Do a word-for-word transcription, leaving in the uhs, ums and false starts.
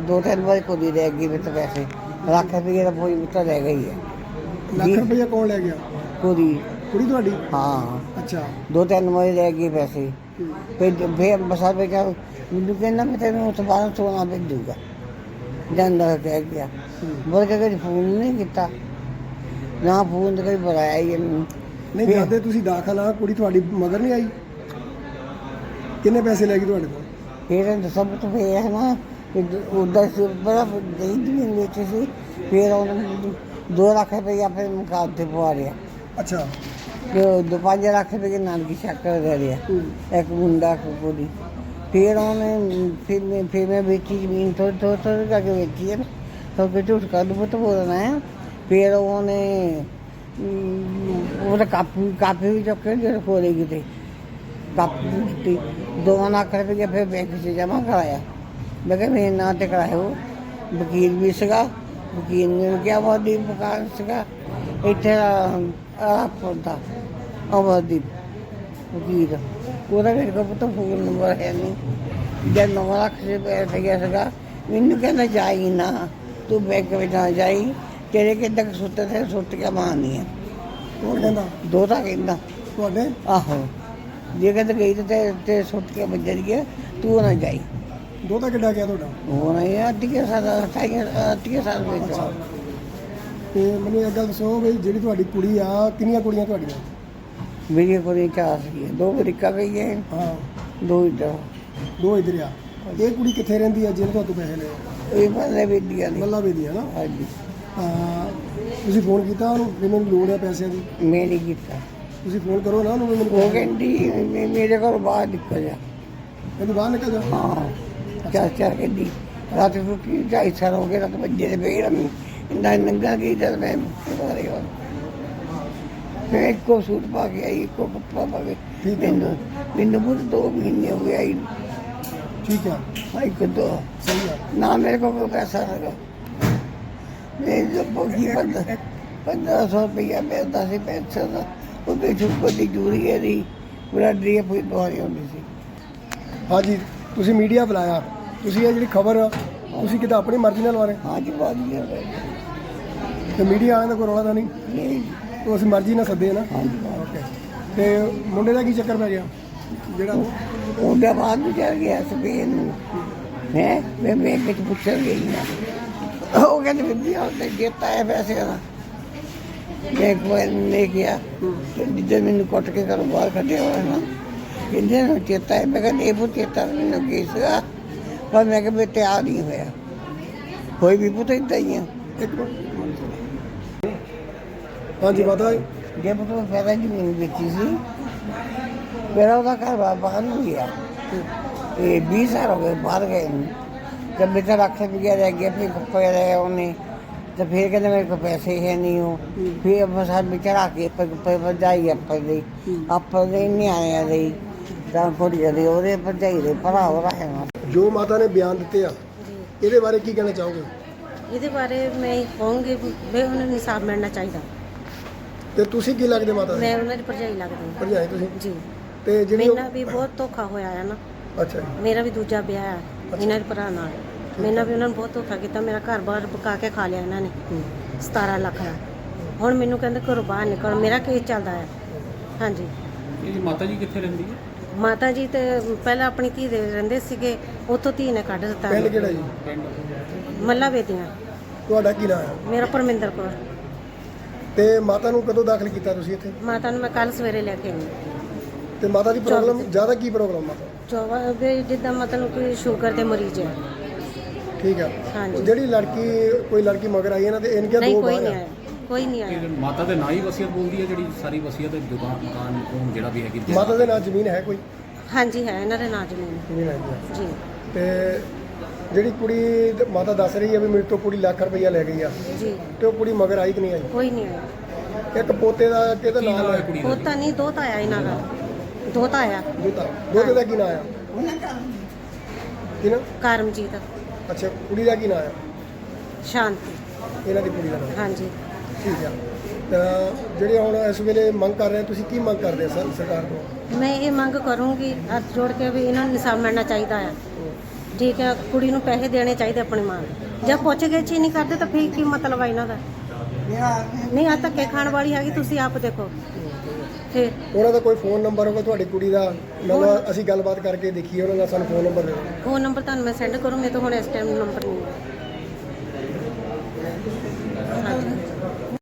दो तीन बार कुड़ी रह गई मेरे तो पैसे ਲੱਖ ਰੁਪਏ ਦਾ ਕੋਈ ਮਿੱਟਾ ਲੈ ਗਈ ਹੈ। ਲੱਖ ਰੁਪਇਆ ਕੌਣ ਲੈ ਗਿਆ? ਕੁੜੀ ਕੁੜੀ ਤੁਹਾਡੀ? ਹਾਂ ਅੱਛਾ। ਦੋ ਤਿੰਨ ਵਾਰੀ ਲੈ ਗਈ ਪੈਸੇ। ਫਿਰ ਫਿਰ ਬਸਾ ਬੇਟਾ ਮੈਨੂੰ ਕਹਿੰਦਾ ਮੈਂ ਤੈਨੂੰ ਉਸ ਤੋਂ ਬਾਅਦ ਸੋਨਾ ਭੇਜੂਗਾ ਜਾਂਦਾ ਕਹਿ ਗਿਆ। ਬੋਲ ਕੇ ਕਦੇ ਫੋਨ ਨਹੀਂ ਕੀਤਾ ਨਾ ਫੋਨ ਤੇ ਕਦੇ ਬੁਲਾਇਆ ਹੀ ਇਹਨੂੰ। ਨਹੀਂ ਜਾਂਦੇ ਤੁਸੀਂ ਦਾਖਲ ਆ, ਕੁੜੀ ਤੁਹਾਡੀ ਮਗਰ ਨਹੀਂ ਆਈ? ਕਿੰਨੇ ਪੈਸੇ ਲੈ ਗਈ ਤੁਹਾਡੇ ਕੋਲ? ਫਿਰ ਸਭ ਤੋਂ ਫਿਰ ਹੈ ਨਾ ਉਹਦਾ ਬੜਾ ਗਈ ਜ਼ਮੀਨ ਵਿੱਚ ਸੀ। ਫਿਰ ਉਹਨੇ ਦੋ ਲੱਖ ਰੁਪਇਆ ਫਿਰ ਮੁਕਾਬ ਤੇ ਪਵਾ ਲਿਆ। ਅੱਛਾ। ਤੇ ਦੋ ਪੰਜ ਲੱਖ ਰੁਪਏ ਨਾਨਕੀ ਸ਼ੱਕਰ ਦੇ ਰਿਹਾ ਇੱਕ ਮੁੰਡਾ ਕੁੜੀ। ਫਿਰ ਉਹਨੇ ਫਿਰ ਮੈਂ ਫਿਰ ਮੈਂ ਵੇਚੀ ਜ਼ਮੀਨ ਥੋੜ੍ਹੀ ਥੋੜ੍ਹੀ ਥੋੜ੍ਹੀ ਕਰਕੇ ਵੇਚੀ ਹੈ ਤਾਂ ਕਿ ਝੂਠ ਕੱਢ ਪੁੱਤ ਬੋਲਣਾ ਹੈ। ਫਿਰ ਉਹਨੇ ਉਹਦਾ ਕਾਪੀ ਕਾਪੀ ਵੀ ਚੁੱਕ ਕੇ ਜਿਹੜੇ ਕੋਲੇ ਕਿਤੇ ਕਾਪੀ ਦਿੱਤੀ ਦੋ ਲੱਖ ਰੁਪਏ ਫਿਰ ਬੈਂਕ 'ਚ ਜਮ੍ਹਾਂ ਕਰਾਇਆ। ਮੈਂ ਕਿਹਾ ਮੇਰੇ ਨਾਂ 'ਤੇ ਕਰਾਇਓ। ਵਕੀਲ ਵੀ ਸੀਗਾ, ਵਕੀਲ ਨੇ ਵੀ ਕਿਹਾ ਅਮਰਦੀਪ ਮਕਾਨ ਸੀਗਾ ਇੱਥੇ ਰਾਪੁਰ ਦਾ ਅਮਰਦੀਪ ਵਕੀਲ। ਉਹਦਾ ਮੇਰੇ ਕੋਲ ਪੁੱਤ ਫੋਨ ਨੰਬਰ ਹੈ ਨਹੀਂ। ਜਦ ਨੌ ਲੱਖ ਰੁਪਏ ਗਿਆ ਸੀਗਾ ਮੈਨੂੰ ਕਹਿੰਦਾ ਜਾਈ ਨਾ ਤੂੰ ਬੈਂਕ ਵਿੱਚ ਨਾ ਜਾਈ ਤੇਰੇ ਕਿੱਦਾਂ ਸੁੱਤੇ ਤੇ ਸੁੱਟ ਕੇ ਮਾਰਨੀ ਆ। ਕੌਣ ਕਹਿੰਦਾ? ਦੋ ਤਾਂ ਕਹਿੰਦਾ ਤੁਹਾਡੇ? ਆਹੋ ਜੇ ਕਹਿੰਦਾ ਗਈ ਤੇ ਤੇ ਸੁੱਟ ਕੇ ਵੱਜਣ ਗਿਆ ਤੂੰ ਨਾ ਜਾਈ। ਦੋ ਤਾਂ ਕਿੱਡਾ ਗਿਆ ਤੁਹਾਡਾ? ਹੁਣ ਇਹ ਅੱਧੀਆਂ ਸਾਲ ਅਠਾਈਆਂ ਅੱਧੀਆਂ ਸਾਲ ਵਿੱਚ। ਤੇ ਮੈਨੂੰ ਇੱਕ ਗੱਲ ਦੱਸੋ ਵੀ ਜਿਹੜੀ ਤੁਹਾਡੀ ਕੁੜੀ ਆ ਕਿੰਨੀਆਂ ਕੁੜੀਆਂ ਤੁਹਾਡੀਆਂ? ਮੇਰੀਆਂ ਕੋਲ ਚਾਰ ਸੀਗੀਆਂ, ਦੋ ਅਮਰੀਕਾ ਗਈ ਹੈ, ਹਾਂ ਦੋ ਇੱਧਰ। ਦੋ ਇੱਧਰ ਆ। ਇਹ ਕੁੜੀ ਕਿੱਥੇ ਰਹਿੰਦੀ ਆ ਜਿਹਨੇ ਤੁਹਾਨੂੰ ਪੈਸੇ ਲਏ? ਇਹ ਮੱਲੇ ਵੇਦੀਆਂ ਨੇ। ਮੱਲਾ ਵੇਦੀ ਆ ਨਾ? ਹਾਂਜੀ। ਹਾਂ ਤੁਸੀਂ ਫੋਨ ਕੀਤਾ ਉਹਨੂੰ ਵੀ ਮੈਨੂੰ ਲੋੜ ਆ ਪੈਸਿਆਂ ਦੀ? ਮੈਂ ਨਹੀਂ ਕੀਤਾ। ਤੁਸੀਂ ਫੋਨ ਕਰੋ ਨਾ ਉਹਨੂੰ ਵੀ ਮੈਨੂੰ। ਉਹ ਕਹਿੰਦੀ ਮੇ- ਮੇਰੇ ਘਰੋਂ ਬਾਹਰ ਨਿਕਲ ਜਾ। ਕਹਿੰਦੀ ਬਾਹਰ ਨਿਕਲ ਜਾ। ਹਾਂ ਚਾਰ ਚਾਰ ਕਹਿੰਦੀ ਰਾਤ ਨੂੰ ਕੀ ਢਾਈ ਸਾਲ ਹੋ ਗਏ ਰਾਤ ਵੱਜੇ ਦੇ ਪਈ ਰਮੀ ਇੰਨਾ ਨੰਗਾ ਕੀ ਜਦ ਮੈਂ ਬਾਰੇ ਹੋ ਮੈਂ ਇੱਕੋ ਸੂਟ ਪਾ ਕੇ ਆਈ ਇੱਕੋ ਕੱਪੜਾ ਪਾ ਕੇ। ਠੀਕ ਹੈ। ਮੈਨੂੰ ਮੈਨੂੰ ਬਹੁਤ ਦੋ ਮਹੀਨੇ ਹੋ ਗਏ ਆਈ। ਠੀਕ ਆ, ਆਈ ਕਦੋਂ ਸਹੀ ਆ। ਨਾ ਮੇਰੇ ਕੋਲ ਕੋਈ ਪੈਸਾ ਹੈਗਾ। ਮੈਂ ਜੋ ਬੋਗੀ ਪੰਦ ਪੰਦਰਾਂ ਸੌ ਰੁਪਈਆ ਮਿਲਦਾ ਸੀ ਪੈਨਸ਼ਨ ਦਾ ਉਹਦੇ ਚੁੱਪ ਦੀ ਜੂਰੀ ਹੈ ਦੀ ਪੂਰਾ ਡਰੀ ਪੂਰੀ ਬਹੁਤ ਹੁੰਦੀ ਸੀ। ਹਾਂਜੀ ਤੁਸੀਂ ਮੀਡੀਆ ਬੁਲਾਇਆ, ਤੁਸੀਂ ਇਹ ਜਿਹੜੀ ਖਬਰ ਤੁਸੀਂ ਕਿਤੇ ਆਪਣੀ ਮਰਜ਼ੀ ਨਾਲ ਲਵਾ ਰਹੇ? ਹਾਂ ਜੀ ਬਾਤ ਨਹੀਂ ਤੇ ਮੀਡੀਆ ਵਾਲਿਆਂ ਦਾ ਕੋਈ ਰੌਲਾ ਤਾਂ ਨਹੀਂ? ਨਹੀਂ ਉਹ ਅਸੀਂ ਮਰਜ਼ੀ ਨਾਲ ਸੱਦੇ ਨਾ। ਹਾਂ ਜੀ ਓਕੇ। ਤੇ ਮੁੰਡੇ ਦਾ ਕੀ ਚੱਕਰ ਪੈ ਗਿਆ ਜਿਹੜਾ? ਉਹਦੇ ਬਾਅਦ ਨੂੰ ਚੱਲ ਗਿਆ ਸਪੇਨ ਨੂੰ ਹੈ। ਮੈਂ ਬੈਂਕ ਵਿੱਚ ਪੁੱਛਣ ਗਈ ਨਾ ਉਹ ਕਹਿੰਦੇ ਵਧੀਆ ਉਹਨੇ ਦਿੱਤਾ ਹੈ ਪੈਸੇ ਦਾ। ਮੈਂ ਇੱਕ ਵਾਰ ਲੈ ਗਿਆ ਜਿੱਦਾਂ ਮੈਨੂੰ ਕੁੱਟ ਕੇ ਘਰੋਂ ਬਾਹਰ ਕੱਢਿਆ ਹੋਇਆ ਨਾ ਕਹਿੰਦੇ ਨੂੰ ਚੇਤਾ ਹੈ। ਮੈਂ ਕਹਿੰਦਾ ਇਹ ਬਹੁਤ ਚੇਤਾ ਮੈਨੂੰ ਕੀ ਸੀਗਾ ਪਰ ਮੈਂ ਕਿਹਾ ਮੈਂ ਤਿਆਰ ਨਹੀਂ ਹੋਇਆ। ਕੋਈ ਵੀ ਪੁੱਤ ਇੱਦਾਂ ਹੀ ਆ। ਇੱਕ ਮਿੰਟ। ਹਾਂਜੀ ਪਤਾ ਜੇ ਪੁੱਤ ਪਹਿਲਾਂ ਜ਼ਮੀਨ ਵੇਚੀ ਸੀ ਮੇਰਾ ਉਹਦਾ ਘਰ ਬਾਹਰ ਨੂੰ ਗਿਆ। ਇਹ ਵੀਹ ਸਾਲ ਹੋ ਗਏ ਬਾਹਰ ਗਏ ਨੂੰ। ਜਦ ਮੇਰਾ ਲੱਖ ਰੁਪਇਆ ਰਹਿ ਗਿਆ ਫਿਰ ਕੱਪੜੇ ਰਹੇ ਉਹਨੇ ਤਾਂ ਫਿਰ ਕਹਿੰਦੇ ਮੇਰੇ ਕੋਲ ਪੈਸੇ ਹੈ ਨਹੀਂ। ਉਹ ਫਿਰ ਬਸ ਵਿਚਾਰਾ ਕੇ ਪਰ ਭਰਜਾਈ ਆਪਾਂ ਦੇ ਆਪਾਂ ਦੇ ਨਿਆਣਿਆਂ ਦੇ ਤਾਂ ਕੁੜੀਆਂ ਦੇ ਉਹਦੇ ਭਰਜਾਈ ਦੇ ਭਰਾ ਉਹਦਾ ਹੈ ਨਾ। ਜੋ ਮਾਤਾ ਨੇ ਬਿਆਨ ਦਿੱਤੇ ਆ ਇਹਦੇ ਬਾਰੇ ਕੀ ਕਹਿਣਾ ਚਾਹੋਗੇ? ਇਹਦੇ ਬਾਰੇ ਮੈਂ ਇਹ ਕਹੂੰਗੀ ਵੀ ਉਹਨਾਂ ਨੂੰ ਇਨਸਾਫ ਮਿਲਣਾ ਚਾਹੀਦਾ। ਤੇ ਤੁਸੀਂ ਕੀ ਲੱਗਦੇ ਮਾਤਾ ਦੇ? ਮੈਂ ਉਹਨਾਂ ਦੀ ਭਰਜਾਈ ਲੱਗਦੀ ਹਾਂ। ਭਰਜਾਈ ਤੁਸੀਂ? ਜੀ। ਤੇ ਜਿਹੜੀ ਮੇਰਾ ਵੀ ਬਹੁਤ ਧੋਖਾ ਹੋਇਆ ਹੈ ਨਾ। ਅੱਛਾ ਜੀ। ਮੇਰਾ ਵੀ ਦੂਜਾ ਵਿਆਹ ਹੈ ਇਹਨਾਂ ਦੇ ਭਰਾ ਨਾਲ। ਮੈਨਾਂ ਵੀ ਉਹਨਾਂ ਨੂੰ ਬਹੁਤ ਧੋਖਾ ਕੀਤਾ। ਮੇਰਾ ਘਰ ਬਾਹਰ ਪਕਾ ਕੇ ਖਾ ਲਿਆ ਇਹਨਾਂ ਨੇ ਸਤਾਰਾਂ ਲੱਖ ਦਾ। ਹੁਣ ਮੈਨੂੰ ਕਹਿੰਦੇ ਘਰੋਂ ਬਾਹਰ ਨਿਕਲ। ਮੇਰਾ ਕੇਸ ਚੱਲਦਾ ਹੈ। ਹਾਂਜੀ। ਇਹ ਮਾਤਾ ਜੀ ਕਿੱਥੇ ਰਹਿੰਦੀ ਹੈ? ਮਾਤਾ ਜੀ ਤੇ ਪਹਿਲਾਂ ਆਪਣੀ ਧੀ ਦੇ ਰਹਿੰਦੇ ਸੀਗੇ, ਉੱਥੋਂ ਧੀ ਨੇ ਕੱਢ ਦਿੱਤਾ। ਪਿੰਡ ਕਿਹੜਾ ਜੀ? ਮੱਲਾ ਵੇਦੀਆਂ। ਤੁਹਾਡਾ ਕੀ ਨਾਮ ਹੈ? ਮੇਰਾ ਪਰਮਿੰਦਰ ਕੌਰ। ਤੇ ਮਾਤਾ ਨੂੰ ਕਦੋਂ ਦਾਖਲ ਕੀਤਾ ਤੁਸੀਂ ਇੱਥੇ? ਮਾਤਾ ਨੂੰ ਮੈਂ ਕੱਲ ਸਵੇਰੇ ਲੈ ਕੇ ਆਈ। ਤੇ ਮਾਤਾ ਦੀ ਪ੍ਰੋਬਲਮ ਜ਼ਿਆਦਾ ਕੀ ਪ੍ਰੋਬਲਮ ਮਾਤਾ? ਚੌਵਾ ਵੀ ਜਿੱਦਾਂ ਮਤਲਬ ਕਿ ਸ਼ੂਗਰ ਦੇ ਮਰੀਜ਼ ਹੈ। ਠੀਕ ਆ। ਹਾਂਜੀ। ਜਿਹੜੀ ਲੜਕੀ ਕੋਈ ਲੜਕੀ ਮਗਰ ਆਈ ਇਹਨਾਂ ਦੇ ਇਹਨਾਂ ਕੇ ਨਹੀਂ ਦੋ ਕੋਈ ਬਾਹਰ ਨਹੀਂ ਆ। ਆਇਆ, ਕੋਈ ਨਹੀਂ ਆਇਆ। ਇਹ ਮਾਤਾ ਦੇ ਨਾਂ ਹੀ ਵਸੀਅਤ ਬੋਲਦੀ ਹੈ ਜਿਹੜੀ ਸਾਰੀ ਵਸੀਅਤ ਦੁਕਾਨ ਮਕਾਨ ਕੋਲ ਜਿਹੜਾ ਵੀ ਹੈਗੀ ਮਾਤਾ ਦੇ ਨਾਲ ਜ਼ਮੀਨ ਹੈ ਕੋਈ? ਹਾਂਜੀ ਹੈ ਇਹਨਾਂ ਦੇ ਨਾਂ ਜ਼ਮੀਨ। ਜ਼ਮੀਨ ਹੈਗੀ ਆ। ਜੀ। ਤੇ ਜਿਹੜੀ ਕੁੜੀ ਤੇ ਮਾਤਾ ਦੱਸ ਰਹੀ ਹੈ ਵੀ ਮੇਰੇ ਤੋਂ ਕੁੜੀ ਲੱਖ ਰੁਪਈਆ ਲੈ ਗਈ ਆ ਜੀ। ਤੇ ਉਹ ਕੁੜੀ ਮਗਰ ਆਈ ਕਿ ਨਹੀਂ ਆਈ? ਕੋਈ ਨਹੀਂ ਆਇਆ। ਇੱਕ ਪੋਤੇ ਦਾ ਕਿਹਦਾ ਨਾਮ ਹੈ? ਕੁੜੀ ਦਾ ਦੋਤਾ ਨਹੀਂ ਦੋਤਾ ਆਇਆ ਇਹਨਾਂ ਦਾ। ਦੋਤਾ ਆਇਆ। ਦੋਤਾ। ਦੋਤੇ ਦਾ ਕੀ ਨਾਮ ਆ? ਕੀ ਨਾਮ? ਕਰਮਜੀਤ। ਅੱਛਾ ਕੁੜੀ ਦਾ ਕੀ ਨਾਮ ਆ? ਸ਼ਾਂਤੀ। ਇਹਨਾਂ ਦੀ ਕੁੜੀ ਦਾ ਨਾਮ? ਹਾਂਜੀ। ਠੀਕ ਆ। ਤਾਂ ਜਿਹੜੇ ਹੁਣ ਇਸ ਵੇਲੇ ਮੰਗ ਕਰ ਰਹੇ ਤੁਸੀਂ ਕੀ ਮੰਗ ਕਰਦੇ ਸਰ ਸਰਕਾਰ ਤੋਂ? ਮੈਂ ਇਹ ਮੰਗ ਕਰੂੰਗੀ ਹੱਥ ਜੋੜ ਕੇ ਵੀ ਇਹਨਾਂ ਨੂੰ ਇਨਸਾਫ ਮਿਲਣਾ ਚਾਹੀਦਾ ਹੈ। ਠੀਕ ਹੈ, ਕੁੜੀ ਨੂੰ ਪੈਸੇ ਦੇਣੇ ਚਾਹੀਦੇ ਆਪਣੀ ਮਾਂ ਨੂੰ। ਜੇ ਪੁੱਛ ਗਏ ਚੀ ਨਹੀਂ ਕਰਦੇ ਤਾਂ ਫਿਰ ਕੀ ਮਤਲਬ ਆ ਇਹਨਾਂ ਦਾ? ਨਹੀਂ ਆ ਧੱਕੇ ਖਾਣ ਵਾਲੀ ਹੈਗੀ, ਤੁਸੀਂ ਆਪ ਦੇਖੋ ਫਿਰ। ਉਹਨਾਂ ਦਾ ਕੋਈ ਫੋਨ ਨੰਬਰ ਹੋਗਾ ਤੁਹਾਡੀ ਕੁੜੀ ਦਾ, ਮਤਲਬ ਅਸੀਂ ਗੱਲਬਾਤ ਕਰਕੇ ਦੇਖੀਏ ਉਹਨਾਂ ਦਾ, ਸਾਨੂੰ ਫੋਨ ਨੰਬਰ ਦੇ ਦਿਓ। ਫੋਨ ਨੰਬਰ ਤੁਹਾਨੂੰ ਮੈਂ ਸੈਂਡ ਕਰੂੰ, ਮੇਰੇ ਤੋਂ ਹੁਣ ਇਸ ਟਾਈਮ ਨੰਬਰ ਨਹੀਂ ਹੈ। ਹਾਂਜੀ